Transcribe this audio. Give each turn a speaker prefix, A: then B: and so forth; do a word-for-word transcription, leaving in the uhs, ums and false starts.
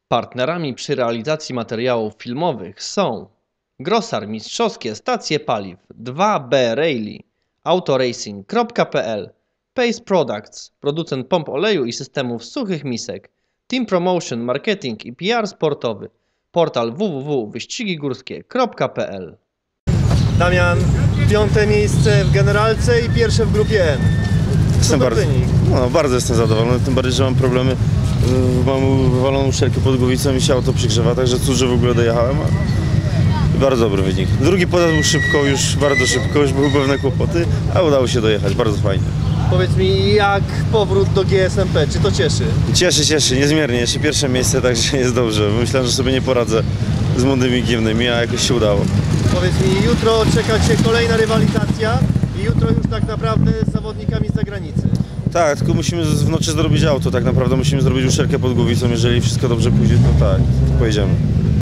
A: Partnerami przy realizacji materiałów filmowych są Grosar Mistrzowskie Stacje Paliw dwa B Rally, autoracing kropka p l, Pace Products, producent pomp oleju i systemów suchych misek, Team Promotion, Marketing i P R sportowy, portal w w w kropka wyścigi górskie kropka p l.
B: Damian, piąte miejsce w generalce i pierwsze w grupie N.
C: Jestem
B: Super
C: bardzo,
B: wynik.
C: no, bardzo jestem zadowolony, tym bardziej, że mam problemy. y, Mam wywaloną uszczelkę pod głowicą i się auto przygrzewa, także cóż, że w ogóle dojechałem. A bardzo dobry wynik. Drugi podjazd był szybko, już bardzo szybko, już były pewne kłopoty, a udało się dojechać, bardzo fajnie.
B: Powiedz mi, jak powrót do G S M P, czy to cieszy?
C: Cieszy, cieszy, niezmiernie, jeszcze pierwsze miejsce, także jest dobrze. Myślałem, że sobie nie poradzę z młodymi giewnymi, a jakoś się udało.
B: Powiedz mi, jutro czeka Cię kolejna rywalizacja i jutro już tak naprawdę z zawodnikami z zagranicy.
C: Tak, tylko musimy z- w nocy zrobić auto, tak naprawdę musimy zrobić uszczelkę pod głowicą, jeżeli wszystko dobrze pójdzie, to tak, pojedziemy.